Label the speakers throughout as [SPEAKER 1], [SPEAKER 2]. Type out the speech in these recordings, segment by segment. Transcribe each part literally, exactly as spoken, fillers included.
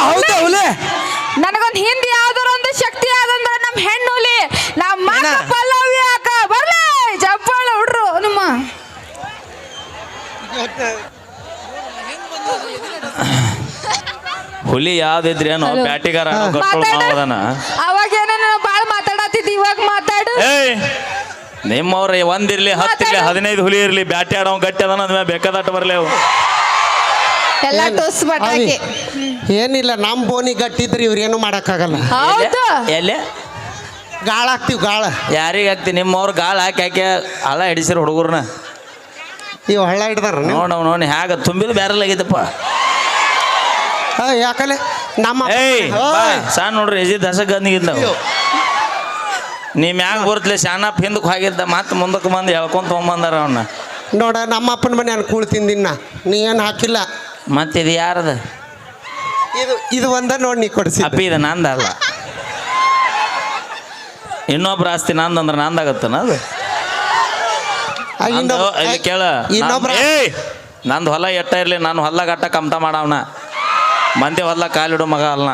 [SPEAKER 1] ಹೌದಾ ಹುಲಿ
[SPEAKER 2] ನನಗೊಂದು ಹಿಂದಿ ಯಾವ್ದಾರ ಒಂದು ಶಕ್ತಿ ಆದಂದ್ರ ನಮ್ಮ ಹೆಣ್ಣು ಹುಲಿ ನಮ್ಮ ಪಲ್ಲವಿ ಅಕ್ಕ ಬರ್ಲಿ ಜಪ್ಪಾಳ ಹುಡ್ರು ನಿಮ್ಮ
[SPEAKER 3] ಹುಲಿ ಯಾವ್ದಿದ್ರಿ ಏನೋ ಬ್ಯಾಟಿಗಾರ
[SPEAKER 2] ಅವಾಗ ಏನೋ ಬಾಳ ಮಾತಾಡತ್ತಿದ್ದಿ ಇವಾಗ ಮಾತಾಡು
[SPEAKER 3] ನಿಮ್ಮವ್ರ ಒಂದಿರ್ಲಿ ಹತ್ತಿರ್ಲಿ ಹದಿನೈದು ಹುಲಿ ಇರ್ಲಿ ಬ್ಯಾಟಿ ಆಡೋ ಗಟ್ಟಿ ಅದ ಅಂದ್ಮೇಲೆ ಬೇಕಾದಟ್ಟು ಬರ್ಲಿ ಅವು
[SPEAKER 2] ಎಲ್ಲ ಟೋಸ್ ಬಟಾಕಿ
[SPEAKER 1] ಏನಿಲ್ಲ ನಮ್ಮ ಬೋನಿ ಗಟ್ಟಿದ್ರಿ ಇವ್ರೇನು ಮಾಡಕ್ಕಾಗಲ್ಲ
[SPEAKER 2] ಹೌದು
[SPEAKER 3] ಎಲ್ಲಿ
[SPEAKER 1] ಗಾಳ ಹಾಕ್ತಿವಿ ಗಾಳ
[SPEAKER 3] ಯಾರಿಗೆ ಹಾಕ್ತಿ ನಿಮ್ಮವ್ರು ಗಾಳ ಹಾಕಿ ಹಾಕಿ ಹಳ ಹಿಡಿಸಿರು ಹುಡುಗರ್ನ
[SPEAKER 1] ಇವ್ ಹಳ್ಳ ಹಿಡ್ದಾರ
[SPEAKER 3] ನೋಡ ನೋಡಿ ಹ್ಯಾಗ ತುಂಬಿದು ಬ್ಯಾರಲ್ ಆಗೈತಪ್ಪ
[SPEAKER 1] ಯಾಕಲೆ ನಮ್ಮ
[SPEAKER 3] ಏಯ್ ಸಣ್ಣ ನೋಡ್ರಿ ಎಜಿ ದಸಗಂದಿಗಿಂದ ನೀ ಮ್ಯಾಗ ಬರ್ತಲೆ ಶಾನಪ್ ಹಿಂದಕ್ಕೆ ಹೋಗಿದ್ದ ಮತ್ತೆ ಮುಂದಕ್ಕೆ ಬಂದು ಹೇಳ್ಕೊಂತ ತೊಗೊಂಬಂದಾರ ಅವನ್ನ
[SPEAKER 1] ನೋಡ ನಮ್ಮ ಅಪ್ಪನ ಮನೆ ನಾನು ಕೂಳ್ ತಿಂದಿನ್ನ ನೀ ಏನು ಹಾಕಿಲ್ಲ
[SPEAKER 3] ಮತ್ತೆ ಇದು ಯಾರದ
[SPEAKER 1] ಇದು ಇದು ಒಂದ ನೋಡಿ ನೀ ಕೊಡಿಸಿ
[SPEAKER 3] ಅಪ್ಪಿ ಇದು ನಂದಲ್ಲ ಇನ್ನೊಬ್ರು ಆಸ್ತಿ ನಂದಂದ್ರೆ ನಂದಾಗತ್ತನ ಅದು ಕೇಳ ಏಯ್ ನಂದು ಹೊಲ ಎಟ್ಟ ಇರಲಿ ನಾನು ಹೊಲ ಗಟ್ಟ ಕಮ್ತ ಮಾಡವನ ಮಂದಿ ಹೊಲ ಕಾಲಿಡು ಮಗ ಅಲ್ಲ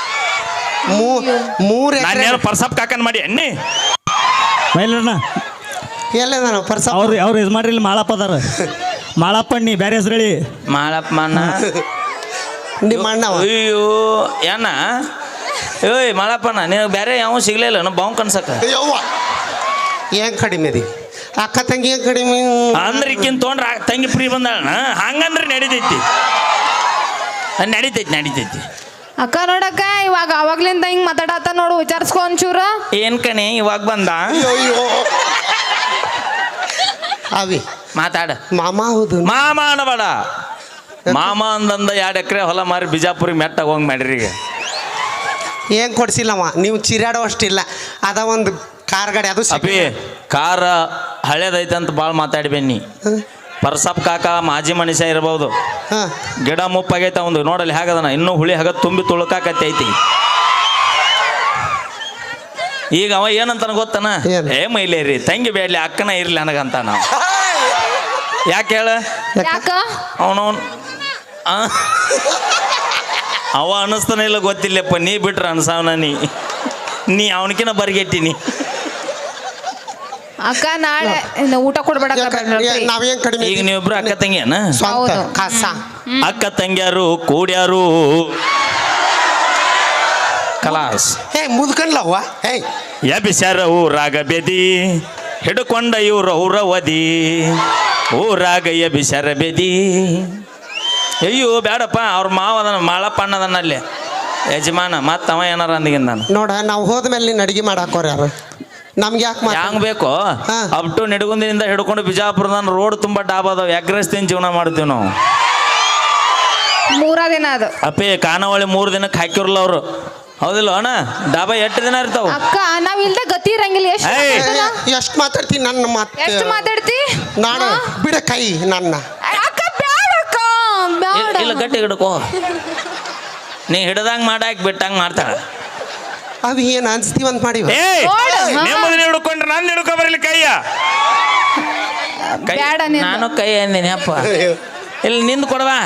[SPEAKER 1] ಮೂರು
[SPEAKER 3] ನಾನೇನು ಪರ್ಸಪ್ ಕಾಕನ್ ಮಾಡಿ ಎಣ್ಣಿ
[SPEAKER 4] ಮೈಲಣ್ಣ
[SPEAKER 1] ಎಲ್ಲ ಪರ್ಸ
[SPEAKER 4] ಅವ್ರು ಅವ್ರು ಇದು ಮಾಡ್ರಿ ಇಲ್ಲಿ ಮಾಳಪ್ಪ ಅದಾರ ಮಾಳಪ್ಪ ನೀ ಬೇರೆ ಹೆಸರು ಹೇಳಿ
[SPEAKER 3] ಮಾಳಪ್ಪ ಅಣ್ಣ
[SPEAKER 1] ನಿಮ್ಮ ಅಣ್ಣ
[SPEAKER 3] ಅಯ್ಯೋ ಏನ ಏಯ್ ಮಾಳಪ್ಪಣ್ಣ ನೀವು ಬೇರೆ ಯಾವ ಸಿಗ್ಲಿಲ್ಲ ನಾವು ಬಾವು ಕನ್ಸಕ್ಕ
[SPEAKER 1] ಏನ್ ಕಡಿಮೆ ಅದಿ ಅಕ್ಕ ತಂಗಿ ಏನ್ ಕಡಿಮೆ
[SPEAKER 3] ಅಂದ್ರೆ ಈಕಿನ್ ತೊಗೊಂಡ್ರ ತಂಗಿ ಫ್ರೀ ಬಂದಾಳ ಹಂಗಂದ್ರೆ ನಡಿತೈತಿ ನಡಿತೈತಿ ನಡಿತೈತಿ
[SPEAKER 2] ಅಕ್ಕ ನೋಡಕ್ಕ ಇವಾಗ ಅವಾಗ್ಲಿಂದ ಹಿಂಗ್ ಮಾತಾಡತ್ತ ನೋಡು ವಿಚಾರಿಸ್ಕೊ ಒಂಚೂರ
[SPEAKER 3] ಏನ್ ಕಣೆ ಇವಾಗ ಬಂದ
[SPEAKER 1] ಅವಿ
[SPEAKER 3] ಮಾತಾಡ
[SPEAKER 1] ಮಾಮ ಹೌದು
[SPEAKER 3] ಮಾಮ ಅನ್ನಬೇಡ ಮಾಮ ಅಂದಂದ ಎರಡು ಎಕರೆ ಹೊಲ ಮಾರಿ ಬಿಜಾಪುರಿಗೆ ಮೆಟ್ಟಾಗ ಹೋಗಿ ಮಾಡ್ರಿ ಈಗ
[SPEAKER 1] ಏನ್ ಕೊಡ್ಸಿಲ್ಲವ ನೀವು ಚಿರಾಡೋ ಅಷ್ಟಿಲ್ಲ ಅದ ಒಂದು ಕಾರ್ ಗಾಡಿ ಅದು
[SPEAKER 3] ಅಪ್ಪಿ ಕಾರ ಹಳೇದೈತೆ ಅಂತ ಭಾಳ ಮಾತಾಡಿ ಬನ್ನಿ ಪರ್ಸಪ್ ಕಾಕ ಮಾಜಿ ಮನುಷ್ಯ ಇರ್ಬೋದು ಗಿಡ ಮುಪ್ಪಾಗೈತೆ ಒಂದು ನೋಡಲ್ಲಿ ಹೇಗದನ ಇನ್ನೂ ಹುಳಿ ಹಾಗ ತುಂಬಿ ತುಳುಕಾಕತ್ತೈತಿ ಈಗ ಅವ ಏನಂತಾನ ಗೊತ್ತನ ಏ ಮೈಲೇರಿ ತಂಗಿ ಬೇಡ್ಲಿ ಅಕ್ಕನ ಇರ್ಲಿ ನನಗಂತ ನಾವು ಯಾಕೆ ಹೇಳ ಅವನವನ್ ಅವ ಅನಿಸ್ತಾನೆ ಇಲ್ಲ ಗೊತ್ತಿಲ್ಲಪ್ಪ ನೀ ಬಿಟ್ರ ಅನ್ಸವನ ನೀ ನೀ ಅವನಕಿನ ಬರ್ಗೆಟ್ಟಿನಿ
[SPEAKER 2] ಅಕ್ಕ ನಾಳೆ ಊಟ ಕೊಡ್ಬೇಡ
[SPEAKER 1] ನಾವೇನ್ ಕಡಿಮೆ
[SPEAKER 3] ಈಗ ನೀವಿಬ್ರು ಅಕ್ಕ ತಂಗಿಯನ ಅಕ್ಕ ತಂಗಿಯಾರು ಕೂಡ್ಯಾರು ಕಲಾಸ್
[SPEAKER 1] ಹೇ ಮುದ್ಕನ್ಲವ್ವ ಹೇ
[SPEAKER 3] ಎಬಿಸರ ಊರಾಗ ಬೆದಿ ಹಿಡ್ಕೊಂಡ ಇವ್ರ ಊರವದಿ ಊರಾಗ ಎಬಿಸರ ಬೆದಿ ಅಯ್ಯೋ ಬೇಡಪ್ಪ ಅವ್ರ ಮಾವದನ ಮಾಳಪ್ಪ ಅಣ್ಣದನಲ್ಲಿ ಯಜಮಾನ ಮತ್ತ ಅವ ಏನಾರ ಅಂದಿಗಿಂದ ನಾನು
[SPEAKER 1] ನೋಡ ನಾವು ಹೋದ್ಮೇಲೆ ನೀನು ಅಡಿಗೆ ಮಾಡಾಕೋರ ಯಾರು ನಮ್ಗೆ ಯಾಕೆ
[SPEAKER 3] ಹ್ಯಾಂಗ ಬೇಕು ಅಪ್ ಟು ನಿಡಗುಂದಿನಿಂದ ಹಿಡ್ಕೊಂಡು ಬಿಜಾಪುರದ ರೋಡ್ ತುಂಬಾ ಡಾಬ್ ಅದಾವ ಎಗ್ರೆಸ್ ತಿನ್ ಜೀವನ ಮಾಡ್ತೀವಿ ನಾವು
[SPEAKER 2] ಮೂರ ದಿನ ಅದು
[SPEAKER 3] ಅಪ್ಪಿ ಖಾನಾವಳಿ ಮೂರು ದಿನಕ್ಕೆ ಹಾಕಿರಲ್ಲ ಅವರು ಹೌದಿಲ್ಲ ಅಣ್ಣ ಡಾಬಾ ಎಷ್ಟು ದಿನ ಇರ್ತಾವ
[SPEAKER 2] ಅಕ್ಕ ನಾವ್ ಇಲ್ದ ಗತಿ ಇರಂಗಿಲ್ಲ
[SPEAKER 1] ಎಷ್ಟು ಮಾತಾಡ್ತೀನಿ ನನ್ನ ಮಾತು
[SPEAKER 2] ಎಷ್ಟು ಮಾತಾಡ್ತಿ
[SPEAKER 1] ನಾನು ಬಿಡ ಕೈ ನನ್ನ
[SPEAKER 2] ಅಕ್ಕ ಬ್ಯಾಡ ಅಕ್ಕ ಬ್ಯಾಡ
[SPEAKER 3] ಇಲ್ಲ ಗಟ್ಟಿ ಹಿಡ್ಕೋ ನೀ ಹಿಡ್ದಂಗ ಮಾಡಾಕ್ ಬಿಟ್ಟಂಗ ಮಾಡ್ತಾಳ
[SPEAKER 1] ಅವಿ ಏನು ಅನ್ಸ್ತೀವಂತ ಮಾಡಿ
[SPEAKER 3] ನೆಮ್ಮದಿ ಹಿಡ್ಕೊಂಡ್ರೆ ನಾನು ಹಿಡ್ಕೊ ಬರಲಿ ಕೈಯ ನಾನು ಕೈ ಅಂದಿನಿ ಅಪ್ಪ ಇಲ್ಲಿ ನಿಂದು ಕೊಡವಾ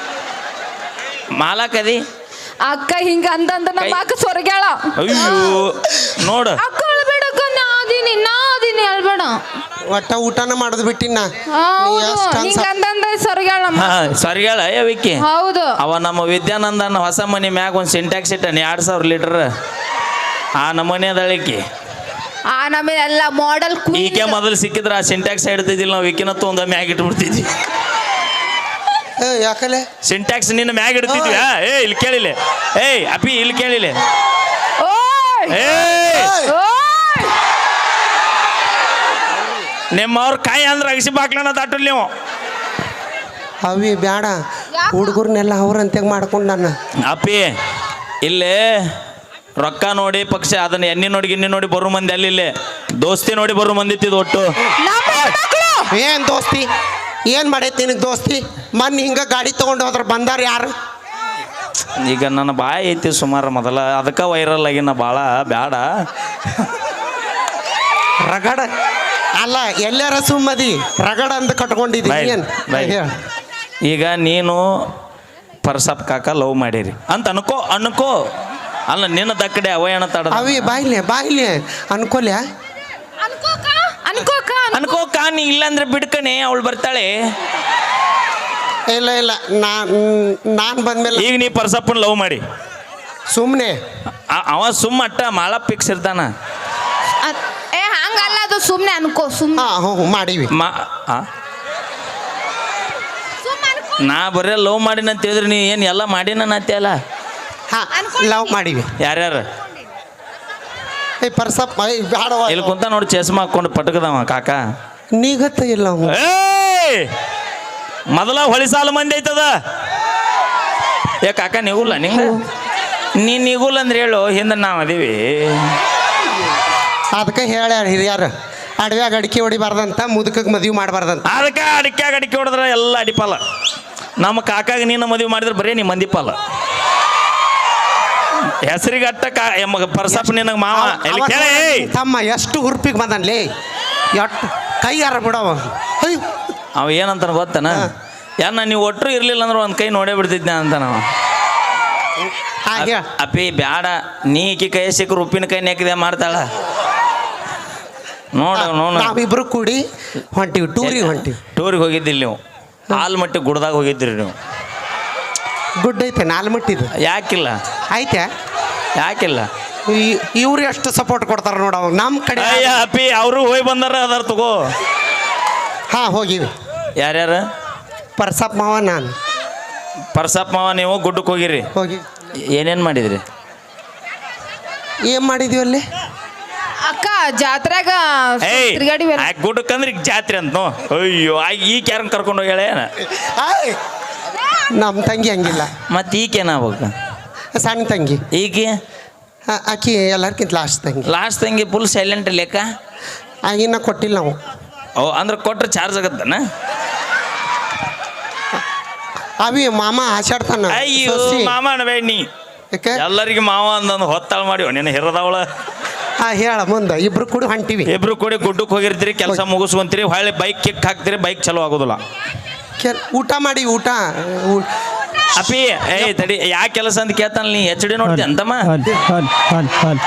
[SPEAKER 3] ಮಾಲಾಕದಿ
[SPEAKER 2] ಅಕ್ಕ ಹಿಂಗ ಅಂತಂದ ನಮ್ಮ ಅಕ್ಕ ಸೊರಗ್ಯಾಳ
[SPEAKER 3] ಅಯ್ಯೋ ನೋಡ
[SPEAKER 2] ಅಕ್ಕ ಅಳ್ಬೇಡಕ್ಕ ನಾದಿನಿ ನಾದಿನಿ ಅಳ್ಬೇಡ
[SPEAKER 1] ಒಟ್ಟ ಊಟನ ಮಾಡೋದು ಬಿಟ್ಟಿನ
[SPEAKER 2] ಹಿಂಗ ಅಂತಂದ ಸೊರಗ್ಯಾಳ
[SPEAKER 3] ಸರಿಗಳ ವಿಕ್ಕಿ
[SPEAKER 2] ಹೌದು
[SPEAKER 3] ಅವ ನಮ್ಮ ವಿದ್ಯಾನಂದನ ಹೊಸ ಮನಿ ಮ್ಯಾಗ ಒಂದು ಸಿಂಟ್ಯಾಕ್ಸ್ ಇಟ್ಟನಿ ಎರಡ್ ಸಾವಿರ ಲೀಟರ್ ಆ ನಮೂನಿ ಅದಳಿಕೆ
[SPEAKER 2] ಆ ನಮಗೆ ಎಲ್ಲ ಮಾಡೆಲ್
[SPEAKER 3] ಈಕೆ ಮೊದಲು ಸಿಕ್ಕಿದ್ರೆ ಆ ಸಿಂಟ್ಯಾಕ್ಸ್ ಹಿಡ್ತಿದ್ದಿಲ್ಲ ನಾವು ವಿಕಿನತ್ತು ಒಂದು ಮ್ಯಾಗ ಇಟ್ಬಿಡ್ತಿದ್ವಿ
[SPEAKER 1] ಯಾಕಲೆ
[SPEAKER 3] ಸಿಂಟ್ಯಾಕ್ಸ್ ನಿನ್ನ ಮ್ಯಾಗ ಇಡ್ತಿದ್ವಿ ಏ ಇಲ್ಲಿ ಕೇಳಿಲ್ಲ ಏಯ್ ಅಪ್ಪಿ ಇಲ್ಲಿ ಕೇಳಿಲ್ಲ ನಿಮ್ಮವ್ರ ಕಾಯಿ ಅಂದ್ರೆ ಅಗಸಿ ಬಾಕ್ಲನ ದಾಟಲ್ ನೀವು
[SPEAKER 1] ಅವಿ ಬ್ಯಾಡ ಹುಡುಗರ್ನೆಲ್ಲ ಅವ್ರಂತೆ ಮಾಡ್ಕೊಂಡು ನಾನು
[SPEAKER 3] ಅಪ್ಪಿ ಇಲ್ಲೇ ರೊಕ್ಕ ನೋಡಿ ಪಕ್ಷ ಅದನ್ನ ಎಣ್ಣೆ ನೋಡಿ ಗಿಣ್ಣಿ ನೋಡಿ ಬರೋ ಮಂದಿ ಅಲ್ಲಿ ದೋಸ್ತಿ ನೋಡಿ ಬರೋ ಮಂದಿ ಇತ್ತಿದ್ದು ಒಟ್ಟು
[SPEAKER 1] ಏನ್ ದೋಸ್ತಿ ಏನ್ ಮಾಡೈತಿ ನಿನಗೆ ದೋಸ್ತಿ ಮೊನ್ನೆ ಹಿಂಗ ಗಾಡಿ ತಗೊಂಡು ಹೋದ್ರ ಬಂದಾರ ಯಾರು
[SPEAKER 3] ಈಗ ನನ್ನ ಬಾಯಿ ಐತಿ ಸುಮಾರು ಮೊದಲ ಅದಕ್ಕೆ ವೈರಲ್ ಆಗಿನ ಭಾಳ ಬ್ಯಾಡ
[SPEAKER 1] ರಗಡ ಅಲ್ಲ ಎಲ್ಲಾರ ಸುಮ್ಮದಿ ರಗಡ ಅಂತ ಕಟ್ಕೊಂಡಿದ್ದೀನಿ
[SPEAKER 3] ಈಗ ನೀನು ಪರ್ಸಪ್ ಕಾಕ ಲವ್ ಮಾಡಿರಿ ಅಂತ ಅನ್ಕೋ ಅನ್ಕೋ ಅಲ್ಲ ನಿನ್ನ ದಕ್ಕಡೆ ಅವಯಣ ತಡ
[SPEAKER 1] ಅವಿ ಬಾಯ್ಲೆ ಬಾಯ್ಲೆ ಅನ್ಕೊಲ್ಯ
[SPEAKER 2] ಅನ್ಕೋಕ ಅನ್ಕೋಕ
[SPEAKER 3] ಅನ್ಕೋ ಕಾ ನೀ ಇಲ್ಲಾಂದ್ರೆ ಬಿಡ್ಕಣೆ ಅವಳು ಬರ್ತಾಳೆ.
[SPEAKER 1] ಇಲ್ಲ ಇಲ್ಲ ನಾನ್ ನಾನ್ ಬಂದ್ಮೇಲೆ
[SPEAKER 3] ಈಗ ನೀ ಪರ್ಸಪ್ಪನ ಲವ್ ಮಾಡಿ
[SPEAKER 1] ಸುಮ್ಮನೆ
[SPEAKER 3] ಆ- ಅವ ಸುಮ್ಮ ಅಟ್ಟ ಮಾಳ ಪಿಕ್ಸ್ ಇರ್ತಾನ.
[SPEAKER 2] ಅದ್- ಏ ಹಂಗಲ್ಲ ಅದು ಸುಮ್ನೆ ಅನ್ಕೋ ಸುಮ್ನೆ
[SPEAKER 1] ಹಾ ಹ್ಞೂ ಮಾಡೀವಿ.
[SPEAKER 3] ಮಾ ಆ?
[SPEAKER 2] ಸುಮ್ನೆ ಅನ್ಕೋ
[SPEAKER 3] ನಾ ಬರೇ ಲವ್ ಮಾಡಿನ ಅಂತ ಹೇಳಿದ್ರೆ ನೀ ಏನು ಎಲ್ಲ ಮಾಡಿನ ಅಲ್ಲ.
[SPEAKER 1] ಹಾ ಲವ್ ಮಾಡೀವಿ.
[SPEAKER 3] ಯಾರ್ಯಾರು
[SPEAKER 1] ಏ ಪರ್ಸಪ್ ಏ ಬ್ಯಾಡವ
[SPEAKER 3] ಇಲ್ಲಿ ಕುಂತ ನೋಡಿ ಚಸ್ಮಾ ಹಾಕೊಂಡು ಪಟಕದವ ಕಾಕ.
[SPEAKER 1] ನೀಗತ್ತ ಇಲ್ಲ ಅವ.
[SPEAKER 3] ಏಯ್ ಮೊದಲ ಹೊಳಿ ಸಾಲ ಮಂದಿ ಐತದ. ಏ ಕಾಕ ನೀಗುಲ್ಲ ನಿಂಗ ನೀ ನೀಗುಲ್ಲ ಅಂದ್ರೆ ಹೇಳು ಹಿಂದೆ ನಾವು ಅದೀವಿ.
[SPEAKER 1] ಅದಕ್ಕೆ ಹೇಳ್ಯಾರ ಹಿರಿಯರು ಅಡವ್ಯಾಗ ಅಡಿಕೆ ಹೊಡಿಬಾರ್ದಂತ ಮುದುಕಕ್ಕೆ ಮದುವೆ ಮಾಡಬಾರ್ದಂತ.
[SPEAKER 3] ಅದಕ್ಕೆ ಅಡಿಕೆ ಅಡಿಕೆ ಹೊಡೆದ್ರೆ ಎಲ್ಲ ಅಡಿಪಾಲ. ನಮ್ಮ ಕಾಕಾಗ ನೀನು ಮದುವೆ ಮಾಡಿದ್ರೆ ಬರೀ ನೀ ಮಂದಿಪಾಲ. ಹೆಸರಿಗೆ ಅಟ್ಟ ಕಾ ಎಮ್ಮ ಪರ್ಸಪ್ಪ ನಿನಗೆ ಮಾವ ಎಲ್ಲಿ
[SPEAKER 1] ಅವ-
[SPEAKER 3] ಕೇಳಿ
[SPEAKER 1] ತಮ್ಮ ಎಷ್ಟು ಹುರ್ಪಿಗೆ ಬಂದನ್ಲೇ ಎಷ್ಟು ಕೈ ಯಾರ ಬಿಡವ. ಅಯ್ಯೋ
[SPEAKER 3] ಅವ ಏನಂತಾನ ಗೊತ್ತನ ಯಾನ ನೀವು ಒಟ್ಟರು ಇರ್ಲಿಲ್ಲ ಅಂದ್ರೆ ಒಂದು ಕೈ ನೋಡೇ ಬಿಡ್ತಿದ್ನ ಅಂತ ನಾವು.
[SPEAKER 1] ಹಾಗೆ
[SPEAKER 3] ಅಪ್ಪಿ ಬ್ಯಾಡ ನೀ ಈಕಿ ಕೈ ಸಿಕ್ಕರು ಉಪ್ಪಿನ ಕೈ ನೆಕ್ಕಿದೆ ಮಾಡ್ತಾಳ ನೋಡ ನೋಡ.
[SPEAKER 1] ನಾವಿಬ್ರು ಕೂಡಿ ಹೊಂಟಿವಿ ಟೂರಿಗೆ ಹೊಂಟಿವಿ.
[SPEAKER 3] ಟೂರಿಗೆ ಹೋಗಿದ್ದಿಲ್ಲ ನೀವು ಆಲ್ಮಟ್ಟಿ ಗುಡ್ದಾಗ ಹೋಗಿದ್ರಿ ನೀವು.
[SPEAKER 1] ಗುಡ್ ಐತೆ ನಾಲ್ಮಟ್ಟಿದು
[SPEAKER 3] ಯಾಕಿಲ್ಲ
[SPEAKER 1] ಐತೆ.
[SPEAKER 3] ಯಾಕಿಲ್ಲ
[SPEAKER 1] ಇವ್ರು ಎಷ್ಟು ಸಪೋರ್ಟ್ ಕೊಡ್ತಾರ ನೋಡ ಅವಾಗ ನಮ್ಮ ಕಡೆ.
[SPEAKER 3] ಅಯ್ಯ ಅಪ್ಪಿ ಅವರು ಹೋಗಿ ಬಂದಾರ ಅದಾರ ತಗೋ.
[SPEAKER 1] ಹಾ ಹೋಗಿವಿ.
[SPEAKER 3] ಯಾರ್ಯಾರು
[SPEAKER 1] ಪರ್ಸಪ್ ಮಾವ ನಾನು
[SPEAKER 3] ಪರ್ಸಪ್ಪ ಮಾವ ನೀವು ಗುಡ್ಡಕ್ಕೆ ಹೋಗಿರಿ.
[SPEAKER 1] ಹೋಗಿ
[SPEAKER 3] ಏನೇನು ಮಾಡಿದ್ರಿ?
[SPEAKER 1] ಏನ್ ಮಾಡಿದ್ವಿ ಅಲ್ಲಿ?
[SPEAKER 2] ಅಕ್ಕ ಜಾತ್ರೆಗ
[SPEAKER 3] ಏಯ್
[SPEAKER 2] ತಿರ್ಗಾಡಿ ಬೇರೆ
[SPEAKER 3] ಆ ಗುಡ್ಡಕ್ಕೆ ಅಂದ್ರೆ ಈಗ ಜಾತ್ರೆ ಅಂತ ನೋ. ಅಯ್ಯೋ ಆ ಈಗ ಯಾರನ್ನ ಕರ್ಕೊಂಡು ಹೋಗ್ಯಾಳ ಏನ
[SPEAKER 1] ಆಯ್! ನಮ್ಮ ತಂಗಿ ಹಂಗಿಲ್ಲ.
[SPEAKER 3] ಮತ್ತೆ ಈಗೇನಾಗ್ಬೇಕು?
[SPEAKER 1] ಸಣ್ಣ ತಂಗಿ
[SPEAKER 3] ಈಗ
[SPEAKER 1] ಆ- ಆಕಿ ಎಲ್ಲರ್ಕಿಂತ ಲಾಸ್ಟ್ ತಂಗಿ.
[SPEAKER 3] ಲಾಸ್ಟ್ ತಂಗಿ ಫುಲ್ ಸೈಲೆಂಟ್ ಲೆಕ್ಕ.
[SPEAKER 1] ಆಗಿನ ಕೊಟ್ಟಿಲ್ಲ ನಾವು.
[SPEAKER 3] ಓ ಅಂದ್ರೆ ಕೊಟ್ರೆ ಚಾರ್ಜ್ ಆಗತ್ತನ?
[SPEAKER 1] ಅವಿ ಮಾಮ ಆಚಾಡ್ತಾನ.
[SPEAKER 3] ಅಯ್ಯೋ
[SPEAKER 1] ಸೊಸಿ.
[SPEAKER 3] ಮಾಮ ಅನ್ಬೇಡ ನೀ.
[SPEAKER 1] ಯಾಕೆ?
[SPEAKER 3] ಎಲ್ಲರಿಗೆ ಮಾವ ಅಂದಂದು ಹೊತ್ತಾಳ ಮಾಡಿ ನಿನ್ನ ಹಿರದವಳ.
[SPEAKER 1] ಹಾ ಹೇಳ ಮುಂದೆ ಇಬ್ರು ಕೂಡ ಹೊಂಟಿವಿ.
[SPEAKER 3] ಇಬ್ರು ಕೂಡಿ ಗುಡ್ಡಕ್ಕೆ ಹೋಗಿರ್ತೀರಿ, ಕೆಲಸ ಮುಗಿಸ್ಕೊಂತೀರಿ, ಹೊಳ್ಳಿ ಬೈಕ್ ಕಿಕ್ ಹಾಕ್ತೀರಿ, ಬೈಕ್ ಚಲೋ ಆಗೋದಿಲ್ಲ.
[SPEAKER 1] ಕೆಲ್- ಊಟ ಮಾಡಿ ಊಟ ಊ-
[SPEAKER 3] ಅಪ್ಪಿ ಏಯ್ ತಡಿ ಯಾ ಕೆಲಸ ಅಂತ ಕೇಳ್ತಾನ ನೀ ಎಚ್ ಡಿ ನೋಡ್ತಿ ಅಂತಮ್ಮ.
[SPEAKER 4] ಹಲ್ ಹಲ್ ಹಲ್ ಹಲ್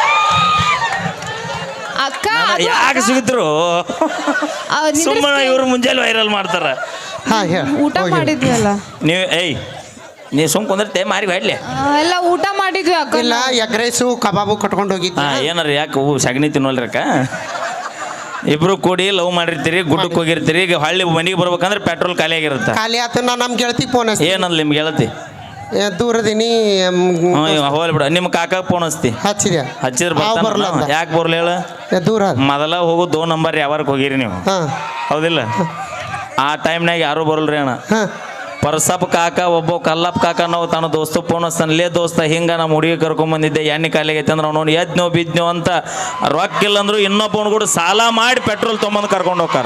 [SPEAKER 2] ಅಕ್ಕ ಅದು
[SPEAKER 3] ಯಾಕೆ ಸಿಗುತ್ತರು
[SPEAKER 2] ಆ, ನಿಂದ್ರಿಸ್ತಿ-
[SPEAKER 3] ಸುಮ್ಮನೆ ಇವ್ರು ಮುಂಜಾನೆ ವೈರಲ್ ಮಾಡ್ತಾರ.
[SPEAKER 1] ಹಾ ಹೇಳ
[SPEAKER 2] ಊಟ ಮಾಡಿದ್ವಿ ಅಲ್ಲ
[SPEAKER 3] ನೀವು ಏಯ್ ನೀ ಸುಮ್ ಕುಂದಿರ್ತೆ ಮಾರಿ ಹೊಡ್ಲಿ.
[SPEAKER 2] ಆ, ಎಲ್ಲ ಊಟ ಮಾಡಿದ್ವಿ ಅಕ್ಕ
[SPEAKER 1] ಇಲ್ಲ ಎಗ್ ರೈಸು ಕಬಾಬು ಕಟ್ಕೊಂಡು ಹೋಗಿದ್ವಿ.
[SPEAKER 3] ಹಾ ಏನಾರ ಯಾಕೆ ಹೂ ಸಗಣಿ ತಿನ್ನೋಲ್ರಕ್ಕ. ಇಬ್ರು ಕೂಡಿ ಲವ್ ಮಾಡಿರ್ತೀರಿ, ಗುಡ್ಡಕ್ಕೆ ಹೋಗಿರ್ತೀರಿ, ಈಗ ಹಳ್ಳಿ ಮನೆಗೆ ಬರ್ಬೇಕಂದ್ರೆ ಪೆಟ್ರೋಲ್ ಖಾಲಿ ಆಗಿರುತ್ತೆ.
[SPEAKER 1] ಖಾಲಿ ಆತ ನಾ ನಮ್ಮ ಗೆಳತಿ ಫೋನ್ ಹಚ್ತಿ
[SPEAKER 3] ಏನಲ್ಲ ನಿಮ್ಗೆ ಹೇಳತಿ
[SPEAKER 1] ದೂರದಿನಿ
[SPEAKER 3] ಹೋಗ್ಲಿ ಬಿಡ. ನಿಮ್ಮ ಕಾಕ ಫೋನ್ ಹಚ್ತಿ
[SPEAKER 1] ಹಚ್ಚಿದೆ
[SPEAKER 3] ಹಚ್ಚಿದ್ರೆ
[SPEAKER 1] ಅವ್
[SPEAKER 3] ಬರ್ತಾನ.
[SPEAKER 1] ಬರ್ಲ ಅಂದ.
[SPEAKER 3] ಯಾಕೆ ಬರ್ಲಿ ಹೇಳ?
[SPEAKER 1] ಏ, ದೂರ ಅದ.
[SPEAKER 3] ಮೊದಲ ಹೋಗು ದೋ ನಂಬರ್ ಯಾವಾರಕ್ಕೆ ಹೋಗಿರಿ ನೀವು,
[SPEAKER 1] ಹಾ
[SPEAKER 3] ಹೌದಿಲ್ಲ? ಆ ಟೈಮ್ನಾಗ ಯಾರು ಬರಲ್ರಿ ಅಣ್ಣ.
[SPEAKER 1] ಹಾ
[SPEAKER 3] ಪರ್ಸಪ್ ಕಾಕ ಒಬ್ಬ ಕಲ್ಲಪ್ಪ ಕಾಕ ನಾವು ತನ್ನ ದೋಸ್ತ ಫೋನ್ ಹಚ್ತಾನ, ಲೇ ದೋಸ್ತ ಹಿಂಗ ನಮ್ಮ ಹುಡುಗಿ ಕರ್ಕೊಂಬಂದಿದ್ದೆ ಎಣ್ಣೆ ಕಾಲಿಗೆ ಐತೆ ಅಂದ್ರೆ ಅವ್ನು ಎದ್ನೋ ಬಿದ್ನೋ ಅಂತ ರೊಕ್ಕ ಇಲ್ಲ ಅಂದ್ರು ಇನ್ನೊಬ್ಬನ ಕೂಡ ಸಾಲ ಮಾಡಿ ಪೆಟ್ರೋಲ್ ತೊಗೊಂಬಂದು ಕರ್ಕೊಂಡು ಹೋಗ್ತಾರ.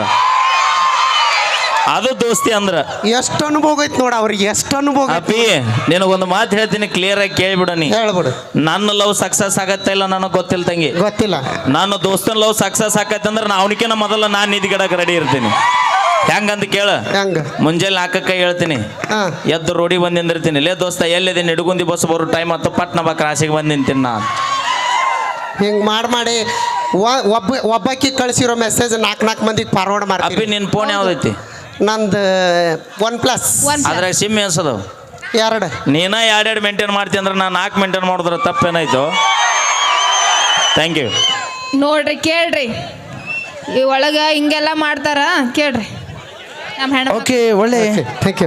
[SPEAKER 3] ಅದು ದೋಸ್ತಿ ಅಂದ್ರ.
[SPEAKER 1] ಎಷ್ಟು ಅನುಭವ ಐತಿ ನೋಡ ಅವ್ರಿಗೆ, ಎಷ್ಟು ಅನುಭವ ಐತಿ.
[SPEAKER 3] ಅಪ್ಪಿ ನಿನಗೊಂದು ಮಾತು ಹೇಳ್ತೀನಿ, ಕ್ಲಿಯರ್ ಆಗಿ ಕೇಳಿಬಿಡ ನೀ.
[SPEAKER 1] ಹೇಳ್ಬಿಡು.
[SPEAKER 3] ನನ್ನ ಲವ್ ಸಕ್ಸಸ್ ಆಗತ್ತ ಇಲ್ಲ ನನಗೆ ಗೊತ್ತಿಲ್ಲ ತಂಗಿ.
[SPEAKER 1] ಗೊತ್ತಿಲ್ಲ.
[SPEAKER 3] ನಾನು ದೋಸ್ತನ ಲವ್ ಸಕ್ಸಸ್ ಆಕತ್ತೆ ಅಂದ್ರೆ ನಾ ಅವನಿಕಿನ ಮೊದಲ ನಾನು ನಿಧಿಗಿಡಕ್ಕೆ ರೆಡಿ ಇರ್ತೀನಿ. ಹೆಂಗಂತ ಕೇಳ,
[SPEAKER 1] ಹೆಂಗ?
[SPEAKER 3] ಮುಂಜಾನೆ ನಾಲ್ಕಕ್ಕೆ ಹೇಳ್ತೀನಿ,
[SPEAKER 1] ಹಾ
[SPEAKER 3] ಎದ್ದು ರೋಡಿಗೆ ಬಂದು ನಿಂದಿರ್ತೀನಿ. ಲೇ ದೋಸ್ತ ಎಲ್ಲಿದೆ ನಿಡುಗುಂದಿ ಬಸ್ ಬರೋ ಟೈಮ್ ಹತ್ತು ಪಟ್ನ ಬಾ ಕ್ರಾಸಿಗೆ ಬಂದು ನಿಂತೀನಿ ನಾ.
[SPEAKER 1] ಹಿಂಗ್ ಮಾಡಿ ಮಾಡಿ ಒ- ಒಬ್ಬ ಒಬ್ಬಾಕಿ ಕಳಿಸಿರೋ ಮೆಸೇಜ್ ನಾಲ್ಕು ನಾಲ್ಕು ಮಂದಿಗೆ ಫಾರ್ವರ್ಡ್
[SPEAKER 3] ಅಪ್ಪಿ
[SPEAKER 1] ಮಾಡ್ತೀನಿ.
[SPEAKER 3] ನಿನ್ನ ಫೋನ್ ಯಾವ್ದೈತಿ?
[SPEAKER 1] ನಂದು ಒನ್ ಪ್ಲಸ್
[SPEAKER 2] One plus.
[SPEAKER 3] ಅದ್ರಾಗ ಸಿಮ್ ಎನ್ಸದವು?
[SPEAKER 1] ಎರಡು.
[SPEAKER 3] ನೀನ ಎರಡೆರಡು ಮೇಂಟೈನ್ ಮಾಡ್ತೀನಿ ಅಂದ್ರೆ ನಾನು ನಾಲ್ಕು ಮೇಂಟೈನ್ ಮಾಡಿದ್ರೆ ತಪ್ಪೇನಾಯ್ತು? Thank you.
[SPEAKER 2] ನೋಡ್ರಿ ಕೇಳ್ರಿ ಈ ಒಳಗ ಹಿಂಗೆಲ್ಲ ಮಾಡ್ತಾರ ಕೇಳ್ರಿ ನಮ್ಮ ಹೆಣ್ಣ
[SPEAKER 1] ಓಕೆ ಒಳ್ಳೆ ಥ್ಯಾಂಕ್ ಯು.